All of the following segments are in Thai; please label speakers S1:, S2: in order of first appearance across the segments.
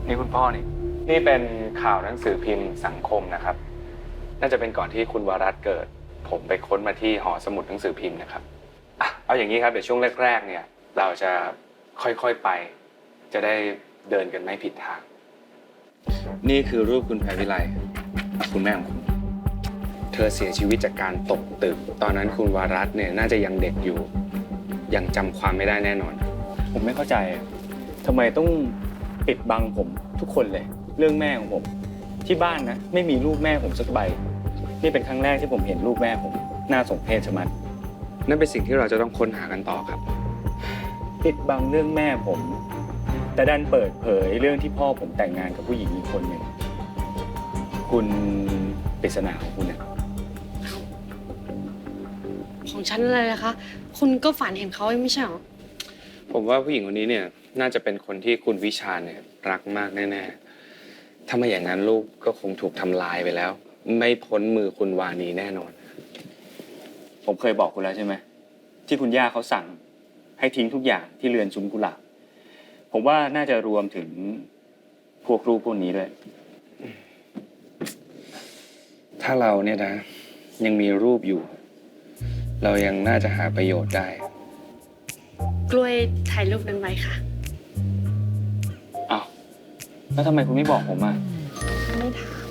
S1: นี่คุณพ่อนี่เป็นข่าวหนังสือพิมพ์สังคมนะครับน่าจะเป็นก่อนที่คุณวรัตน์เกิดผมไปค้นมาที่หอสมุดหนังสือพิมพ์นะครับเอาอย่างนี้ครับเดี๋ยวช่วงแรกๆเนี่ยเราจะค่อยๆไปจะได้เดินกันไม่ผิดทางนี่คือรูปคุณแพรวิไลคุณแม่ของคุณเธอเสียชีวิตจากการตกตึกตอนนั้นคุณวรัตน์เนี่ยน่าจะยังเด็กอยู่ยังจำความไม่ได้แน่นอน
S2: ผมไม่เข้าใจทำไมต้องปิดบังผมทุกคนเลยเรื่องแม่ของผมที่บ้านนะไม่มีรูปแม่ผมสักใบนี่เป็นครั้งแรกที่ผมเห็นรูปแม่ผมน่าสมเพชชะมัด
S1: นั่นเป็นสิ่งที่เราจะต้องค้นหากันต่อครับ
S2: ปิดบังเรื่องแม่ผมแต่ดันเปิดเผยเรื่องที่พ่อผมแต่งงานกับผู้หญิงอีกคนหนึ่งคุณปริศนาของคุณนะ
S3: ของฉันอะไรนะคะคุณก็ฝันเห็นเขาไม่ใช่หรอ
S1: ผมว่าผู้หญิงคนนี้เนี่ยน่าจะเป็นคนที่คุณวิชาเนี่ยรักมากแน่ๆถ้าไม่อย่างนั้นลูกก็คงถูกทำลายไปแล้วไม่พ้นมือคุณวานีแน่นอน
S2: ผมเคยบอกคุณแล้วใช่ไหมที่คุณย่าเขาสั่งให้ทิ้งทุกอย่างที่เรือนซุ้มกุหลาบผมว่าน่าจะรวมถึงพวกรูปพวกนี้ด้วย
S1: ถ้าเราเนี่ยนะยังมีรูปอยู่เรายังน่าจะหาประโยชน์ได้
S3: กล้วยถ่ายรูปนั้นไว้ค่ะ
S2: อ้าวแล้วทำไมคุณไม่บอกผมอ่ะ
S3: ไม่ถาม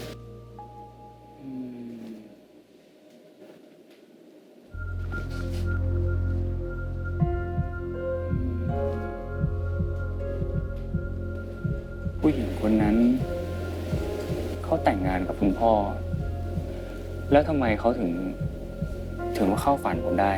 S2: ผู้หญิงคนนั้นเขาแต่งงานกับคุณพ่อแล้วทำไมเขาถึงว่าเข้าฝันผมได้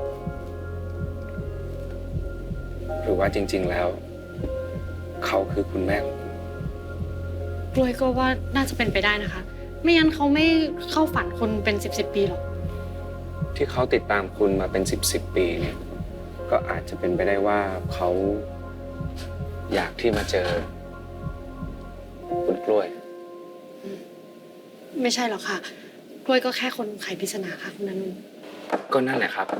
S1: หรือว่าจริงๆแล้วเขาคือคุณแม่ของคุณ
S3: กล้วยก็ว่าน่าจะเป็นไปได้นะคะไม่งั้นเขาไม่เข้าฝันคุณเป็น10 ปีหรอก
S1: ที่เขาติดตามคุณมาเป็น10 ปีเนี่ยก็อาจจะเป็นไปได้ว่าเขาอยากที่มาเจอคุณกล้วย
S3: ไม่ใช่หรอกค่ะกล้วยก็แค่คนไขปริศนาค่ะคุณนันท์
S1: ก็นั่นแหละครับ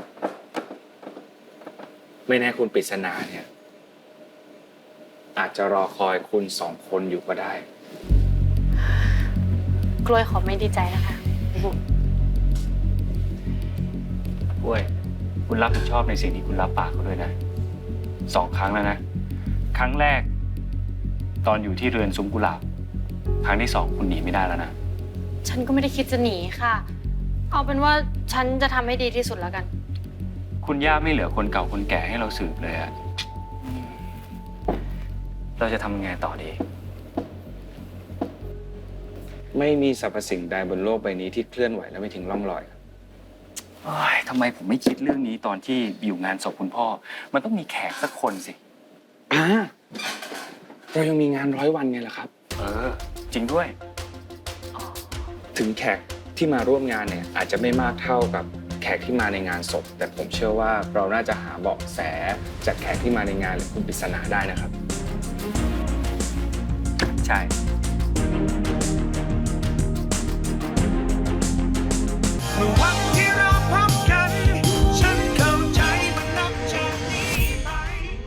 S1: ไม่แน่คุณปริศนาเนี่ยอาจจะรอคอยคุณ2 คนอยู่ก็ได้
S3: กล้วยขอไม่ดีใจนะคะ
S2: กล้วยคุณรับผิดชอบในสิ่งที่คุณรับปากเขาด้วยนะ2 ครั้งแล้วนะครั้งแรกตอนอยู่ที่เรือนซุ้มกุหลาบครั้งที่2คุณหนีไม่ได้แล้วนะ
S3: ฉันก็ไม่ได้คิดจะหนีค่ะเอาเป็นว่าฉันจะทำให้ดีที่สุดแล้วกัน
S2: คุณย่าไม่เหลือคนเก่าคนแก่ให้เราสืบเลยอะเราจะทำยังไงต่อดี
S1: ไม่มีสรรพสิ่งใดบนโลกใบนี้ที่เคลื่อนไหวและไม่ทิ้งร่องรอย
S2: ทำไมผมไม่คิดเรื่องนี้ตอนที่อยู่งานศพคุณพ่อมันต้องมีแขกสักคนสิ
S1: เรายังมีงาน100 วันไงล่ะครับ
S2: จริงด้วย
S1: ถึงแขกที่มาร่วมงานเนี่ยอาจจะไม่มากเท่ากับแขกที่มาในงานศพแต่ผมเชื่อว่าเราน่าจะหาเบาะแสจากแขกที่มาในงานหรือคุณปริศนาได้นะครับ
S2: ใช่